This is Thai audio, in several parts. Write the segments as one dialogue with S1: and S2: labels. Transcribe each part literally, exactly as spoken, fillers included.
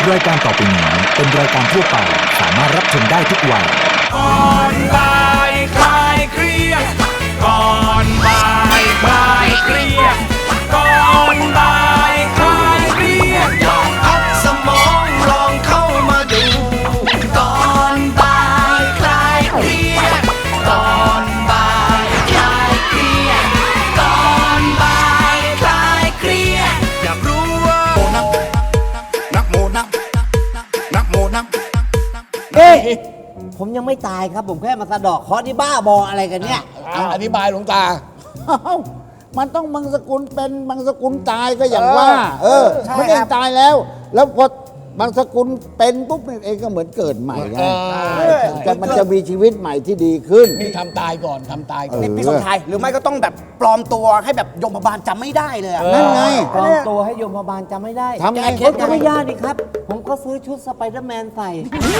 S1: รายการต่อไปนี้เป็นรายการทั่วไปสามารถรับชมได้ทุกวัย
S2: ก่อนบ่ายคลายเครียดก่อนบ่ายคลายเครียดก่อนบ่ายคลายเครียดลองพักสมองลองเข้ามาดูก่อนบ่ายคลายเครียดก่อนบ่ายคลายเครียดก่อนบ่ายคลายเครียดอยากรู้ว่านักนักโมนักนักโมนัก
S3: เอ๊ะผมยังไม่ตายครับผมแค่มาสะดอกเคราะห์ที่บ้าบออะไรกันเนี่ย
S4: เอาอธิบายหลวงตา
S5: มันต้องบางสกุลเป็นบางสกุลตายก็อย่างว่า เออไม่ได้ตายแล้ว แล้วพอบางสกุลเป็นปุ๊บเองก็เหมือนเกิดใหม่ไงแต่มันจะมีชีวิตใหม่ที่ดีขึ้น
S4: นี่ทำตายก่อนทำตายก่อน
S6: นี่พี่สมชายหรือไม่ก็ต้องแบบปลอมตัวให้แบบยมบาลจำไม่ได้เลยอะ
S5: นั่นไง
S3: ปลอมตัวให้โยมบาลจำไม่ได้
S5: ทำไง
S3: ผมก็ไม่ยากนี่ครับ ผมก็ซื้อชุดสไปเดอร์แมนใส่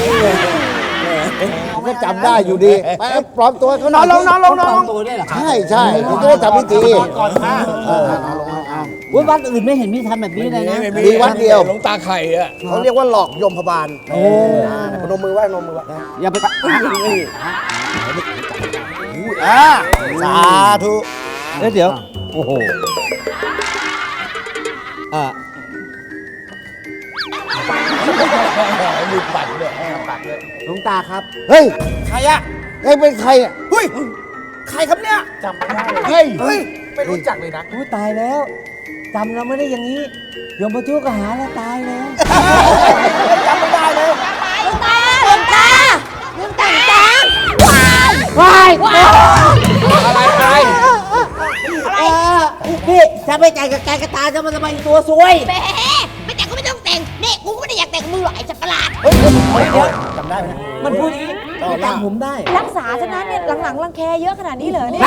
S5: มันก็จำได้อยู่ดีไปปลอมตัวเขา
S6: นอนลงนอนลงนอน
S3: ปล
S6: ล
S3: อม
S6: ง
S3: ตัวด้วยเหรอครับ
S5: ใช่ใช่มันก็ได้ทำพิธี
S6: ก่อนค่ะ
S3: ว่าวัดอื่นไม่เห็นมีทำแบบนี้เลยนะ
S5: มีวัดเดียว
S4: หลวงตาไข่อะ
S6: เขาเรียกว่าหลอกยมพบาลโอ้พนมมือไหว้พนมมือไหว้
S3: อย่าไป
S6: อ่าสาธุ
S3: เอ้ยเดี๋ยว โอ้โหอ่า
S4: มีปัดด้วย
S3: หลวงตาครับ
S5: เฮ้ย
S6: ใครอะ
S5: เฮ้ยเป็นใครอ่ะ
S6: เฮ้ยใครครับเนี่ย
S4: จำไม่ได้เฮ้ย
S6: เฮ้ยไม่รู้จักเลยนะ
S3: อู้ตายแล้วจำเราไม่ได้อย่างนี้โยมพระทุกข์ก็หาเราตายแล้ว
S6: จำไม่ได้เลย
S7: หลวงตาหลวงตาหลวงตาหลวงตา
S3: ว้าย
S7: ว้าว
S4: อะไรอะไร
S3: เออพี่ถ้าไม่จ่ายกับแกกระตาจะมาทำไมตัวซวย
S7: แหมไม่แต่งก็ไม่ต้องแต่งนี่กูก็ไม่ได้อยากแต่งกับมึงหรอกไอ้สัตว์ประหลาด
S6: จำได้ไหม
S3: มันพูดอย่างนี้จำผมได้
S7: รักษาฉะนั้นเนี่ยหลังๆรังแคเยอะขนาดนี้เหรอเนี่ย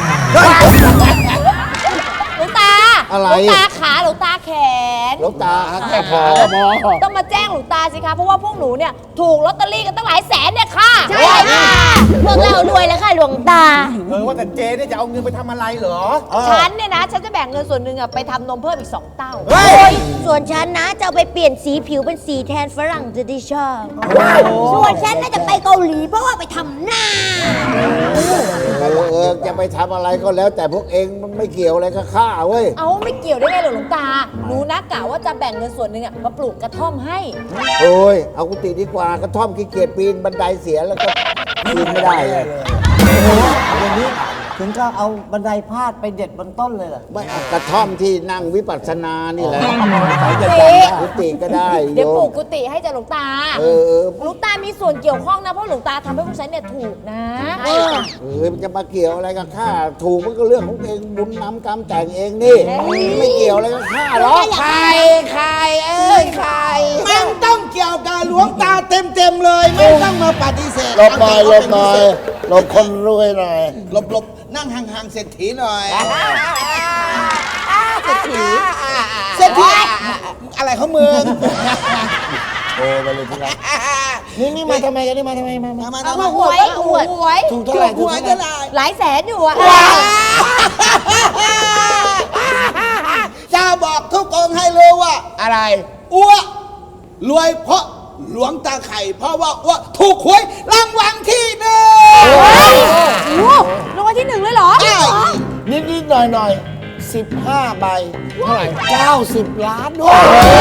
S7: หลวงตา
S5: อะไร
S7: หลวงตาขาหลวงตาแขน
S5: หลวงตาแค่พอ
S7: ต้องมาแจ้งหลวงตาสิคะเพราะว่าพวกหนูเนี่ยถูกลอตเตอรี่กันตั้งหลายแสนเนี่ยค่ะใช่ค่ะพวกเรารวยแล้วค่ะหลวงตา
S6: เออว่าแต่เจเนี่ยจะเอาเงินไปทำอะไรเหรอ
S7: ฉันเนี่ยนะฉันจะแบ่งเงินส่วนหนึ่งอะไปทำนมเพิ่มอีกสองเต้า
S6: เฮ้ย
S7: ส่วนฉันนะจะเอาไปเปลี่ยนสีผิวเป็นสีแทนฝรั่งจะได้ชอบส่วนฉันน่าจะไปเกาหลีเพราะว่าไปทำหน้า
S5: เออเออจะไปทำอะไรก็แล้ว แต่พวกเองมันไม่เกี่ยวอะไรกับข้าเว้ย
S7: เอาไม่เกี่ยวได้ไงหรอหลวงตาหนูนะกะว่าจะแบ่งเงินส่วนหนึ่งอะมาปลูกกระท่อมให้
S5: โอ้ยเอากุฏิดีกว่ากระท่อมขี้เกียจปีนบันไดเสียแล้วก็ปีนไม่ได้เลย
S3: อย่างนี้ถึงก็เอาบันไดพาดไปเด็ดบนต้นเลยเหรอ
S5: ไม่เอากระท่อมที่นั่งวิปัสสนานี่แหละใครจะ
S7: สิ
S5: ทำกุฏิก็ได้โย
S7: เดี๋ยวปลู
S5: ม
S7: กกุฏิให้จ้ะหลวงตา
S5: เออเออ
S7: หลวงตามีส่วนเกี่ยวข้องนะเพราะหลวงตาทำให้พวกฉันเนี่ยถูกนะเออ
S5: เออมันจะมาเกี่ยวอะไรกับข้าถูกมันก็เรื่องของเองบุญน้ำกรรมแต่งเองนี่ไม่เกี่ยวอะไรกับข้าหรอก
S6: ใครใครเอ้ยใครมันต้องเกี่ยวกับหลวงตาเต็มเต็มๆเลย ไม่ต้องมาปฏิเสธ
S5: หลบหน่อยหลบหน่อยหลบคนรวยหน่อย
S6: หลบหลบนั่งห่างๆเศรษฐีหน่อย
S7: เศรษฐี
S6: เศรษฐีอะไรเขาเมือง
S5: โอ้ไปเลยทีละนี่นี่มาทำไมกันนี่มาทำไมมามา
S6: มา
S7: เอา
S6: ทำไม
S7: มาหวยหวยหวย
S5: ถูกเท่าไหร่ถู
S6: หั
S5: ก
S6: ว
S5: เท่าไห
S6: จะ
S5: ร่
S6: ลาย
S7: หลายแสนอยู่อะ
S6: จะบอกทุกองค์ให้รู้ว่า
S4: อะไร
S6: อ้วรวยเพราะหลวงตาไข่ เพราะว่าอ้วถูกหวยรางวัลที่หนึ่ง
S7: โอ้รางวัลที่หนึ่งเลยเหรอ
S6: ใช่
S5: นิดนิดหน่อยหน่อยสิบห้าใบเท่าไหร่เก้าสิบล้านด้วย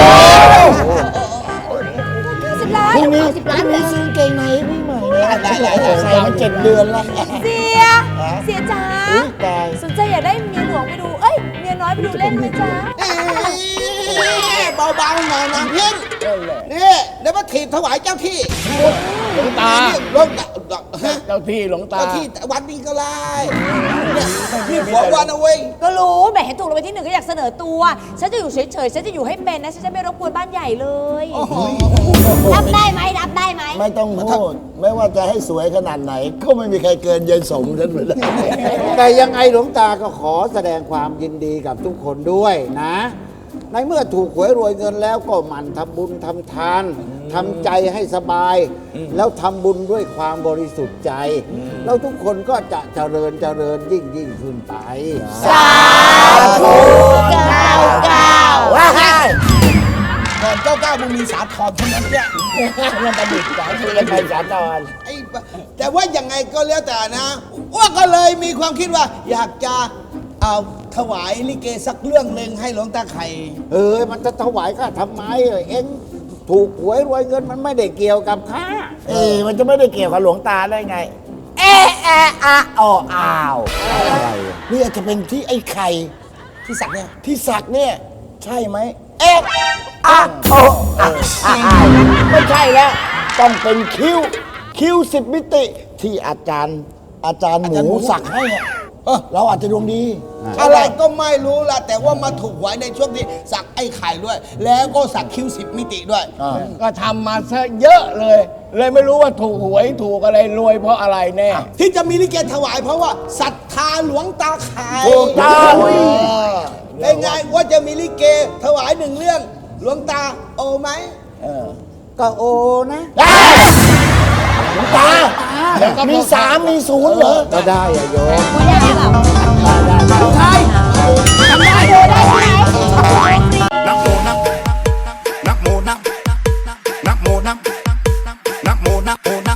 S7: สิบล้าน
S5: พรุ่งนี้
S7: สิบ
S5: พ
S7: ล้าน
S5: รุ่ง
S7: เล
S5: นี้
S7: ย
S5: ซื้อเกงในให้พี่ใหม่ใส่มาเจ็ดเดือนแล้ว
S7: เสีย เสียจ๋า
S5: อุ๊ยตาย
S7: สนใจอยากได้เมียหลวงไปดู เอ้ย เมียน้อยไปดูเล่นไหมจ๊ะ
S6: เบาๆหน่อยนางเพี้ยนนี่เดี๋ยวมาถีบถวายเจ้าที่
S4: หลวงตา
S6: หลวงตา
S4: เจ้าที่หลวงตา
S6: เจ้าที่วันนี้ก็ไล่เนี่ยนี่หัววันเอาเว้ย
S7: ก็รู้แหมเห็นถูกรางวัลที่หนึ่งก็อยากเสนอตัว ฉันจะอยู่เฉยๆ ฉันจะอยู่ให้เป็นนะ ฉันจะไม่รบกวนบ้านใหญ่เลยรับได้ไหมรับได้ไหม
S5: ไม่ต้องพูดไม่ว่าจะให้สวยขนาดไหน ก็ไม่มีใครเกินยายสมฉันไปได้แต่ยังไงหลวงตาก็ขอแสดงความยินดีกับทุกคนด้วยนะ ในเมื่อถูกหวยรวยเงินแล้วก็หมั่นทำบุญทำทานทำใจให้สบาย แล้วทำบุญด้วยความบริสุทธิ์ใจ แล้วทุกคนก็จะเจริญเจริญยิ่งยิ่งขึ้นไป
S7: สาธุเก้าเก้า
S6: ก็อนเจ้าก้าวมึงมีสาทรเท่านั้นเนี่ย
S4: มันประดิษฐ์สายคุยกันไปสาตอน
S6: ไอ้ปะแต่ว่ายังไงก็แล้วแต่นะว่าก็เลยมีความคิดว่า อยากจะเอาถวายลิเกสักเรื่องหนึ่งให้หลวงตาไข่
S5: เอ้ยมันจะถวายข้าทำไมเอ็งถูกหวยรวยเงินมันไม่ได้เกี่ยวกับข้า
S4: เออมันจะไม่ได้เกี่ยวกับหลวงตาได้ไง
S5: เอะแอะอะอออ้าวอะไรอะ
S4: นี่อาจจะเป็นที่ไอ้ไข่
S6: ที่สักเนี่ย
S4: ที่สักเนี่ย ใช่ไหม
S5: เอะอะโออะอ้าว
S4: ไม่ใช่แล้ว ต้องเป็นคิ้ว คิ้วสิบมิติ ที่อาจารย์ อาจารย์หมูสักให้อะเออเราอาจจะดวงดี
S6: อะไรก็ไม่รู้ละแต่ว่ามาถูกหวยในช่วงที่สักไอ้ไข่ด้วย แล้วก็สักคิ้วสิบมิติด้วย
S4: ก็ทำมาซะเยอะเลย เลยไม่รู้ว่าถูกหวยถูกอะไรรวยเพราะอะไรแน่
S6: ที่จะมีลิเกถวายเพราะว่าศรัทธาหลวงตาไข่
S4: ถูกต้อง
S6: เป็นไงว่าจะมีลิเกถวายหนึ่งเรื่อง หลวงตาโอไหม
S5: ก็โอนะ
S4: ตาแล้วก็มีสามมีศูนย์เหรอ
S5: ก็ได้อะโยม
S7: ไม่ได้หรอก
S6: ใช่
S7: ทำได้ดูได้ไหม
S2: นักโมนักนักโมนักนักโมนักนักโมนักโมนัก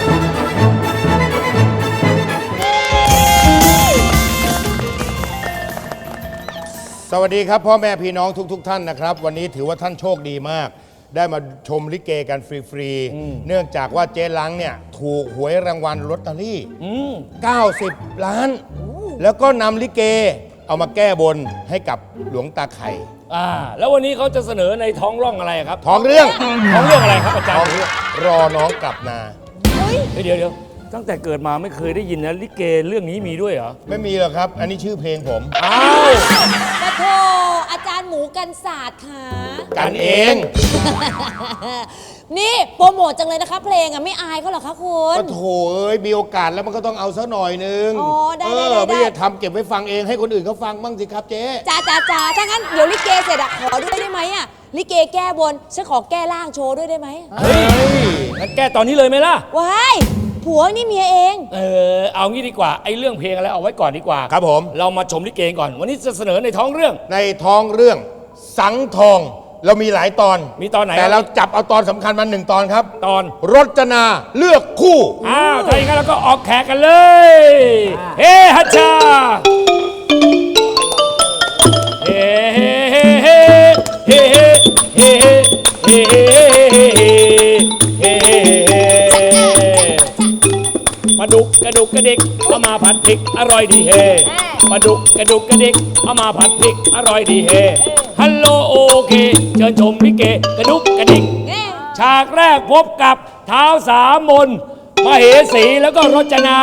S8: สวัสดีครับพ่อแม่พี่น้องทุกๆทท่านนะครับ วันนี้ถือว่าท่านโชคดีมาก ได้มาชมลิเกกันฟรีๆเนื่องจากว่าเจ๊ลังเนี่ยถูกหวยรางวัลลอตเตอรี่เก้าสิบล้าน แล้วก็นำลิเกเอามาแก้บนให้กับหลวงตาไข่
S9: อ่าแล้ววันนี้เขาจะเสนอในท้องร่องอะไรครับ
S8: ท้องเรื่อง
S9: ท้องเรื่องอะไรครับอาจาร
S8: ท้อง
S9: ย์
S8: เรื่องรอน้องกลับนา
S9: เฮ้ยเดี๋ยวเดี๋ยวตั้งแต่เกิดมาไม่เคยได้ยินนะลิเกเรื่องนี้มีด้วยเหรอ
S8: ไม่มีหรอกครับ อันนี้ชื่อเพลงผม
S9: อ้าว
S7: ปะโทอาจารย์หมูกันศาสตร์ค่ะ
S8: กันเอง
S7: นี่โปรโมทจังเลยนะคะ เพลงอ่ะไม่อายเขาเหรอคะคุณ
S8: ก็โถเอ้ยมีโอกาสแล้วมันก็ต้องเอาซะหน่อยนึง
S7: อ๋อได้
S8: เอ
S7: ได้
S8: อ
S7: ได้
S8: ไม่ใช่ทำเก็บไว้ฟังเองให้คนอื่นเขาฟังบ้างสิครับเจ๊
S7: จ้าจ้าจ้าถ้างั้นเดี๋ยวลิเกเสร็จอะขอด้วยได้ไหมอะลิเกแก้บนฉันขอแก้ร่างโชว์ด้วยได้ไหม
S9: เฮ้ยงั้นแก้ตอนนี้เลยไหมล่ะ
S7: ว้ายผัวนี่เมียเอง
S9: เออเอางี้ดีกว่าไอ้เรื่องเพลงอะไรเอาไว้ก่อนดีกว่า
S8: ครับผม
S9: เรามาชมลิเกก่อน วันนี้จะเสนอในท้องเรื่อง
S8: ในท้องเรื่องสังทองเรามีหลายตอน
S9: มีตอนไหน
S8: แต่เราจับเอาตอนสำคัญมาหนึ่งตอนครับ
S9: ตอน
S8: รจนาเลือกคู่
S9: อ้าวถ้าอย่างนั้นเราก็ออกแขกกันเลยเฮ้ฮัชชาเฮ้เฮ้เฮ้เฮ้เฮ้เฮ้เฮ้เฮ้เฮ้เฮ้ปลาดุกกระดุกกระดิกเอามาผัดพริกอร่อยดีเฮปลาดุกกระดุกกระดิกเอามาผัดพริกอร่อยดีเฮฮัลโหลโอเคเชิญชมลิเกกระดุกกระดิกฉากแรกพบกับเท้าสามมนมเหสีแล้วก็รจนา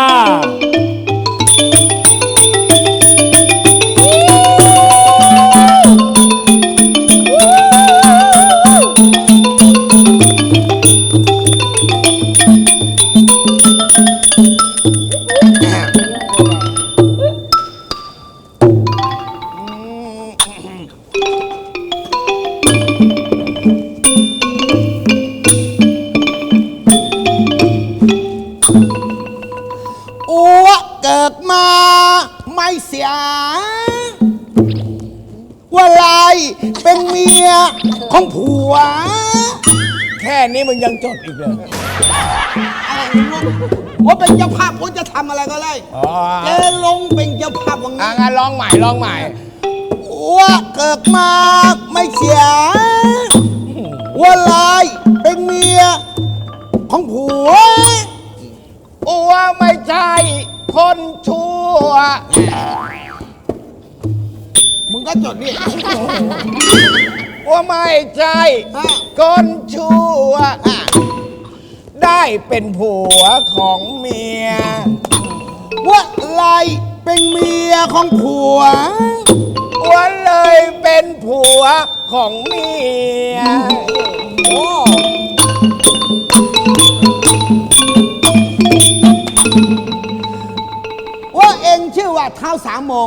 S6: อัวเกิดมาไม่เสียว่าลายเป็นเมียของผัว
S4: แค่นี้มึงยังจดอีกเลย
S6: อะไรไม่รู้ว่าเป็นเจ้าภาพว่าจะทำอะไรก็ได้
S4: อ๋อ
S6: เจลงเป็นเจ้าภาพวัง
S4: อ่ะ
S6: นี้
S4: งั้นร้องใหม่ร้องใหม่
S6: อัวเกิดมาไม่เสียว่าลายเป็นเมียของผัว
S4: อัวไม่ใช่คนชั่ว
S6: มึงก็จดนี่
S4: อัวไม่ใช่
S6: อ่ะ
S4: คนชั่ว
S6: อ่ะ
S4: ได้เป็นผัวของเมีย
S6: ว่าลายเป็นเมียของผัว
S4: อัวเลยเป็นผัวของเมีย
S6: ว่าเองชื่อว่าเท้าสามโมง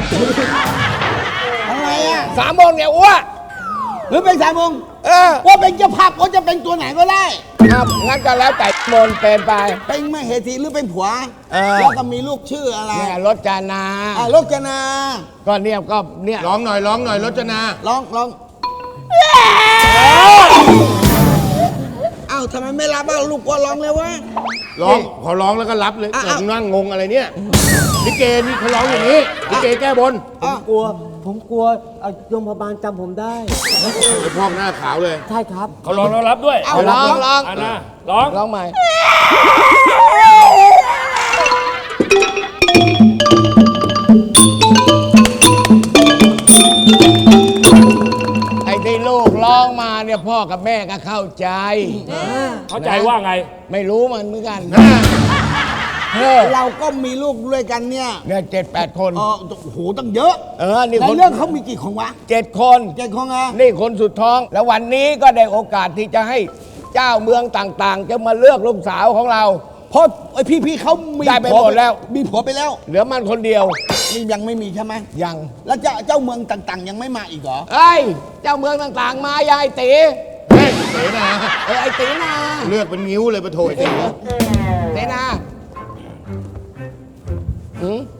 S6: อะไรอ่ะ
S4: สามโมงเนี่ยอัว
S6: หรือเป็นสามโมง
S4: เออ
S6: ว่าเป็นเจ้าภาพว่าจะเป็นตัวไหนก็ได้
S4: ครับงั้นก็แล้วแต่มนเป็นไป
S6: เป็นมเหสีหรือเป็นผัว
S4: เออ
S6: แล้วก็มีลูกชื่ออะไร
S4: เนี่ยรถจานา
S6: อ่ะลูกจนา
S4: ก็เนี่ยก็เนี่ย
S8: ร้องหน่อยร้องหน่อยรจนา
S6: ร้องร้อง
S4: เอ้า
S6: เอ้าทำไมไม่รับอ่ะลูกกลัวร้องเลยวะ
S8: ร้องพอร้องแล้วก็รับเลย
S6: อ่ะ
S8: ผมนั่งงงอะไรเนี่ยลิเกนี่เขาร้องอย่างนี้ลิเกแก้บน
S3: ผมกลัว ผมกลัวเอาโยมพบาลจำผมได้
S8: ไอ้พอกหน้าขาวเลย
S3: ใช่ครับ
S9: เขาร้องแล้วรับด้วย
S6: เอาร้องร้อง
S9: อ่ะนะร้อง
S4: ร้องใหม่
S10: ไอ้ที่ลูกร้องมาเนี่ยพ่อกับแม่ก็เข้าใจ
S9: เข้าใจว่าไง
S10: ไม่รู้มันเหมือนกัน
S6: เราก็มีลูกด้วยกันเนี่ย
S10: เนี่ยเจ็ดแปดคน
S6: เออโอ้โหตั้งเยอะ
S10: เออ นี่
S6: ใน
S10: คน
S6: เรื่องเขามีกี่คนวะ
S10: เจ็ดคน
S6: เจ็ดคนอ่ะ
S10: นี่คนสุดท้อง แล้ววันนี้ก็ได้โอกาสที่จะให้เจ้าเมืองต่างๆ จะมาเลือกลูกสาวของเรา
S6: เพราะไอพี่ๆเขามี
S10: ได้ไป
S6: ผั
S10: หมดแล้ว
S6: มีผัวไปแล้ว
S10: เหลือมันคนเดียว
S6: นี่ยังไม่มีใช่ไหม
S10: ยัง
S6: แล้วเจ้าเจ้าเมืองต่างๆ ยังไม่มาอีกเหรอ
S10: เอ้ย เจ้าเมืองต่างๆ มายายตี
S8: เฮ้ยเสนา
S10: เออไอ้ตีนา
S8: เลือกเป็นนิ้วเลยปะโถยเสนา
S10: ตีนาหืม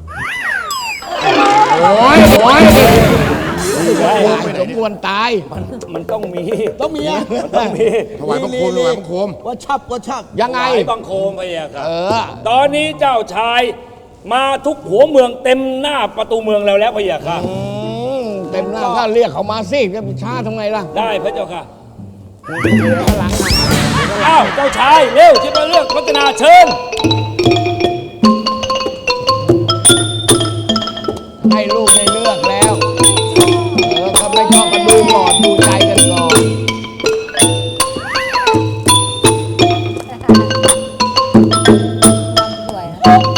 S8: โอ้ยโอ้ย
S10: ไม่สมควรตาย
S9: มันต้องมี
S6: ต้องมีอ่ะ
S9: ต้องมี
S8: ถวายบังคมถวายบังคม
S6: ว่าชอบว่าชอบ
S10: ยังไง
S9: ไอ้บังโคมไปอะครับ
S10: เออ
S9: ตอนนี้เจ้าชายมาทุกหัวเมืองเต็มหน้าประตูเมืองเราแล้วพะยะค่ะ
S10: อืมเต็มหน้าก็เรียกเขามาสิจะช้าทำไงล่ะ
S9: ได้พระเจ้าค่ะ
S10: เหลือข้างหลังนะ
S9: อ้าวเจ้าชายเร็วที่มาเลือกรัตนาเชิญ
S10: ให้ลูกได้เลือกแล้ว เออก็ไม่ชอบกันดูก่อนดูใจกันก่อน
S7: สวย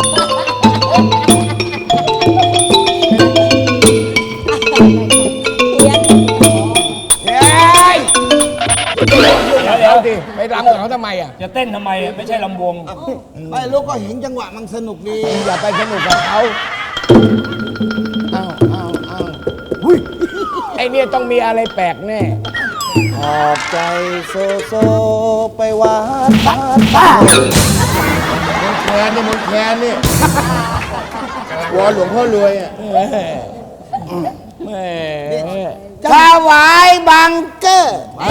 S7: เลี้ยง
S10: เฮ้ย
S9: เดี๋ยวเดี๋ยว
S10: เอาดิไปรำกับเขาทำไมอ่ะ
S9: จะเต้นทำไมอะไม่ใช่ลำวง
S6: ไม่ลูกก็เห็นจังหวะมันสนุกดี
S10: อย่าไปสนุกกับเขาอ้าวอ้าวอ้าวหุ้ยไอเนี่ยต้องมีอะไรแปลกแน่
S5: ขอบใจโซโซไปวัดบ้าน
S8: มนแคนนี่มนแคนนี่วอนหลวงพ่อรวยอ่ะ
S10: แหม่
S5: ถวายบังเกอร์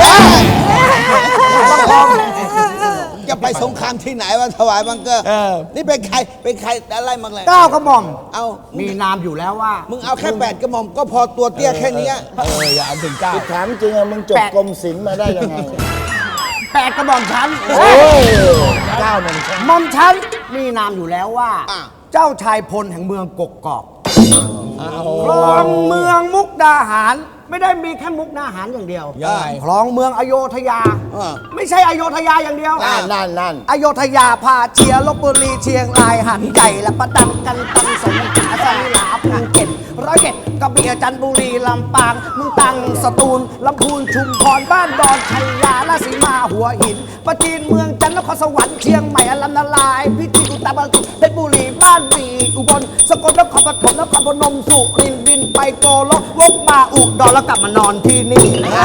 S6: จะไปสงครามที่ไหนวะถวายบังเกอร์นี่เป็นใครเป็นใครอะไรมาเลย
S5: เก้ากระหม่อม
S6: เอา
S5: มีนามอยู่แล้วว่า
S6: มึงเอาแค่แปดกระหม่อมก็พอตัวเตี้ยแค่เนี้ย
S10: เอออย่าเอาถึงเก้า
S4: ถามจริงอะมึงจบกรมศิลป์มาได้ยังไง
S5: แปดกระหม่อมชั้น
S4: โอ้ยเก้าหนึ่ง
S5: หม่อมชั้นมีนามอยู่แล้วว่า
S6: อ่ะ
S5: เจ้าชายพลแห่งเมืองกกกอกครองเมืองมุกดาหาร ไม่ได้มีแค่มุกดาหารอย่างเดียวครองเมืองอโยธยา ไม่ใช่อโยธยาอย่างเดียว
S4: นั่นนั่นนั่น
S5: อโยธยาพาเชียร์ลบบุรีเชียงรายหันใหญ่และประดันกันตันสงขลาสมิลาภูเก็ตร้อยเอ็ดกระบี่จันทบุรีลำปางมึงตังสตูลลำพูนชุมพรบ้านดอนชัยยาราศีมาหัวหินประจีนเมืองจันทร์นครสวรรค์เชียงใหม่อลัมนาลายพิจิตรอุตรดิตถ์เพชรบุรีบ้านบีอุบลสกลนครปฐมนครพนมสุรินทร์บินไปโกลกวกมาอุดรแล้วกลับมานอนที่นี่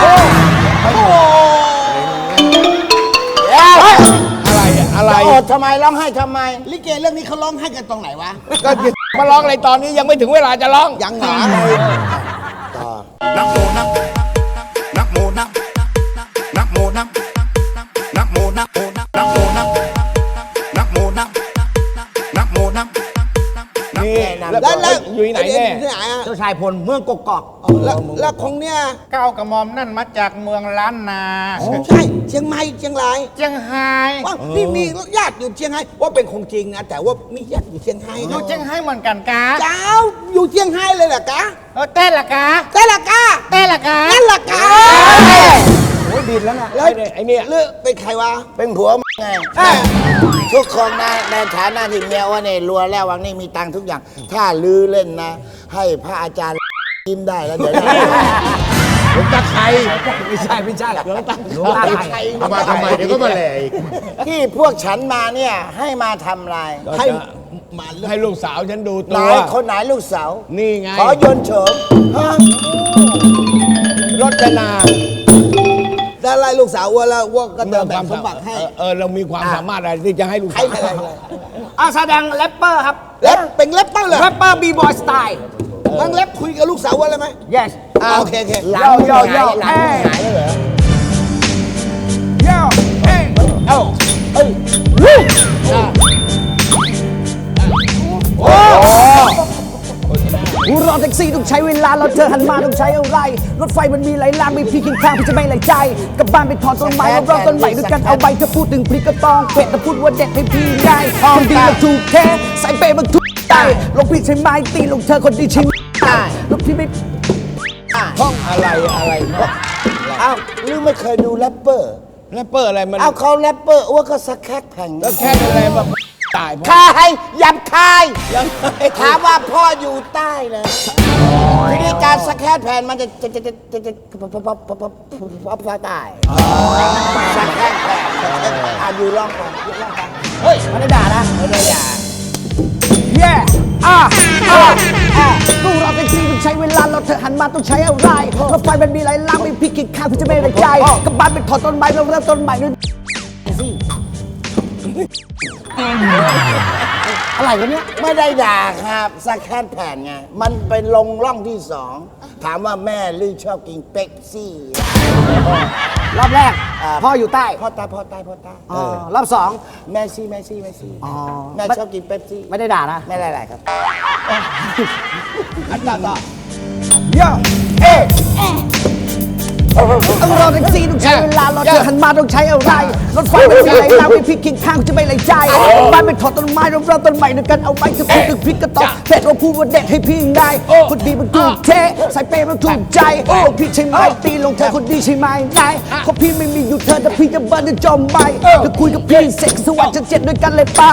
S10: อะไรอะอะไร
S4: จะอดทำไมร้องไห้ทำไม
S6: ลิเกเรื่องนี้เขาร้องให้กันตรงไหนวะ
S10: ก็มาร้องอะไรตอนนี้ยังไม่ถึงเวลาจะร้อง
S6: ยังหนา
S2: นักโมนักนักโมนักนักโมนักนักโมนักนักโมนักนักโมนักนักโมนัก
S10: นี่แล้ว
S6: แล้วแล้ว
S10: อยู่ที่ไหนแน่
S6: ที่ไหนอ่ะ
S5: เจ้าชายพลเมืองกกอก
S6: แล้วแล้วของเนี้ย
S5: เก้ากระหม่อมนั่นมาจากเมืองล้านนา
S6: ใช่เชียงใหม่เชียงราย
S5: เจียงไฮ้
S6: ว่านี่มีญาติอยู่เชียงไฮ้ว่าเป็นคงจริงนะแต่ว่ามีญาติอยู่เชียงไฮ้
S5: อยู่เจียงไฮ้เหมือนกันกา
S6: เจ้าอยู่เชียงไฮ้เลยเหรอกะ
S5: เออเต้นละกา
S6: แต่ละกะ
S5: เต้นละกา
S6: นั่นละกะ
S5: โอ้ยบินแล้วน่ะ
S6: แล้ว
S10: ไอ้เนี่ย
S6: เลือกเป็นใครวะ
S4: เป็นผัวมึงไงทุกคนนะในฐานะที่เมียว่าเนี่ยรัวแล้ววังนี่มีตังค์ทุกอย่าง ถ้าลือเล่นนะ ให้พระอาจารย์ยิ้มได้แล้วเดี๋ยวได้
S8: หลวงตาไข่
S5: ไม่ใช่ไม่ใช่หลวงตาหลวงตาไทย
S8: เอามาทำไมเดี๋ยวก็มาแหล่อีก
S4: ที่พวกฉันมาเนี่ย ให้มาทำอะไร
S6: ให้มาเลือก
S10: ให้ลูกสาวฉันดู
S4: ไห
S10: ตั
S4: น
S10: ว
S4: คนไหนลูกสาว
S10: นี่ไง
S4: ขอโยนโฉมฮะ
S10: รจนา
S6: ได้ไล่ลูกสาวว่าแล้วว่าก็จะแบ่งสมบัติให้
S10: เออเออเรามีความสามารถอะไรที่จะให้ลูก
S6: ใคร
S10: สาว
S6: อะไรเลย
S5: อาแสดงแรปเปอร์ครับ
S6: เล็บเป็นเล็บเป้าเลย
S5: แรปเปอร์บีบอยสไตล์
S6: นั่งเล็บคุยกับลูกสาวว่าอะไรไหม
S5: yes
S6: อ่าโอเคโอเค
S4: หลัง
S5: โยโย
S4: หายหลัง
S5: เอ้ย
S4: หายแล้วเหรอ
S11: รอแท็กซี่ต้องใช้เวลารถเธอหันมาต้องใช้อะไรรถไฟมันมีหลายรางมีพี่กินข้างพี่จะไม่ไหลใจกลับบ้านไปถอนต้นไม้รอบๆต้นใหม่ด้วยกันเอาใบเธอพูดถึงพริกก็ต้องเป็ดแต่พูดว่าเด็ดให้พี่ไงคนดีมันถูกแท้ใส่เปย์มันถูกใจลงพี่ใช้ไม้ตีลงเธอคนดีใช่ไหมลงพี่ไม่
S6: ห้องอะไรอะไร
S4: อ้าวหรือไม่เคยดูแรปเปอร์
S6: แรปเปอร์อะไรมัน
S4: เอาเขาแรปเปอร์อ้วกก็สแครกแผ่ง
S6: แล้วแค่อะไรแบบตายเพราะ
S4: คายหยับคาย
S6: ยังไง
S4: ถามว่าพ่ออยู่ใต้เลยทีนี้การสแครกแผ่นมันจะจะจะจะจะจะพับพับพับพับพับพับพับใต้สแครกแผ่นอ่ะอยู่ร่องก่อนอยู่ร่องก่อน
S11: เฮ้ยไม่ได้ด่านะ
S4: ไม่ได้อย่า
S11: เย่อ่ะอ่ะอ่ะตู้รอแท็กซี่ต้องใช้เวลารถเธอหันมาต้องใช้อะไรรถไฟมันมีหลายรางมีพี่กินข้างพี่จะไม่ไหลใจกลับบ้านไปถอนต้นไม้เริ่มต้นใหม่ด้วยอะไรกันเนี่ย
S4: ไม่ได้ด่าครับสแครกแผ่นไงมันเป็นลงร่องที่สองถามว่าแม่ลือชอบกินเป็ปซี่
S11: รอบแรกพ่ออยู่ใต้
S4: พ่อตายพ่อตายพ่อตาย
S11: อ๋อรอบสอง
S4: แม่ซี่แม่ซี่แม่ซี่
S11: อ๋อ
S4: แม่ชอบกินเป๊ปซี่
S11: ไม่ได้ด่านะ
S4: ไม่ได้ไรครับ
S6: อันต่อต่อ
S11: โย่เอ๊ะต้องรอแท็กซี่ต้องใช้เวลารถเธอหันมาต้องใช้อะไรรถไฟมันมีหลายรางมีพี่กินข้างจะไม่ไหลใจบ้านเป็นถอดต้นไม้เริ่มต้นใหม่ด้วยกันเอาใบเธอพูดถึงพริกก็ต้องเผ็ดเราพูดว่าเด็ดให้พี่ไงคนดีมันถูกเทใส่เปย์มันถูกใจลงพี่ใช่ไหมตีลงเธอคนดีใช่ไหมไงเพราะพี่ไม่มีอยู่เธอแต่พี่จะเบิร์นจะจมไปจะคุยกับพี่เซ็กสวัสดิ์จะเจ็ดด้วยกันเลยไป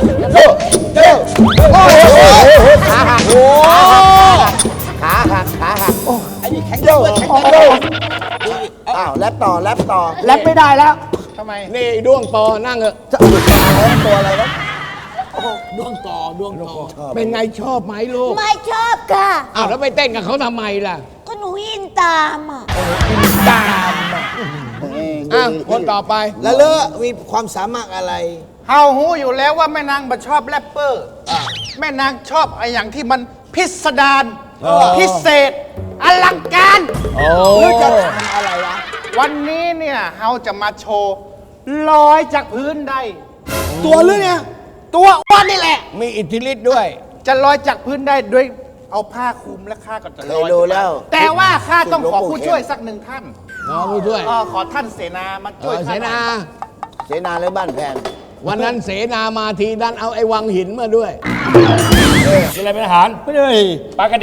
S4: ขาหักขาหักขาหัก
S6: ไอ้นี่แข็งแรงเลยแข็งแรง
S4: อ้าวแลบต่อแลบต่อ
S11: แลบไม่ได้แล้ว
S6: ทำไมนี่ด้วงปอนั่งเถอะ
S4: ตัวอะไรวะ
S6: ด้วงต่อด้วงต่อเป็นไงชอบไหมลูก
S7: ไม่ชอบค่ะ
S6: อ้าวแล้วไปเต้นกับเขาทำไมล่ะ
S7: ก็หนูอินตามอ่ะ
S6: ตามอ่ะคนต่อไป
S3: แล้วเลอะมีความสามารถอะไร
S12: เฮาหูอยู่แล้วว่าแม่นางบ่ชอบแรปเปอร์แม่นางชอบไอ้อย่างที่มันพิสดารพิเศษ อลังการ
S3: หรือจะทำอะไรวะ
S12: วันนี้เนี่ยเฮาจะมาโชว์ลอยจากพื้นได้
S3: ตัวหรือเนี่ย
S12: ตัวอ้วนนี่แหละ
S6: มีอิทธิฤทธิ์ด้วย
S12: จะลอยจากพื้นได้ด้วยเอาผ้าคลุมและข้าก็จะ
S4: เค
S12: ล
S4: ย
S12: อย
S4: ดูแล้ว
S12: แต่ว่าข้าต้องขอ
S4: หลวงปู่
S12: ผู้
S4: เข้ม
S12: ช่วยสักหนึ่งท่าน
S6: น้องผู้ช่วย
S12: อ๋อขอท่านเสนามา
S6: เอ
S12: ช่วย
S6: อเส
S12: ข้าหน่
S6: นา
S12: อย
S4: เสนาเลยบ้านแพน
S6: วันนั้นเสนามาทีดันเอาไอ้วังหินมาด้วย
S9: กินอะไรเป็นอาหารไม่ได้ปลากระดี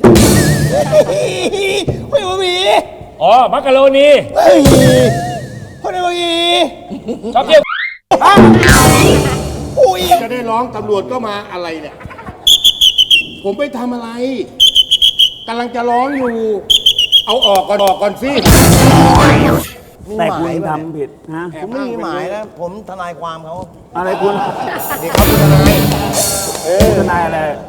S3: ไม่ว่ามี
S9: อ๋อ มักกะโรนี
S3: คนไม่ว่ามี
S9: ชอบเที่ยว
S8: จะได้ร้องตำรวจก็มาอะไรเนี่ย ผมไปทำอะไรกำลังจะร้องอยู่ เอาออกก่อนออกก่อนสิ
S4: แต่คุณทำผิดนะผมไม่มีหมายนะ ผมทนายความเขา
S5: อะไรคุณ
S4: เด็กเขาเป็นทนาย
S5: ทนายอะไร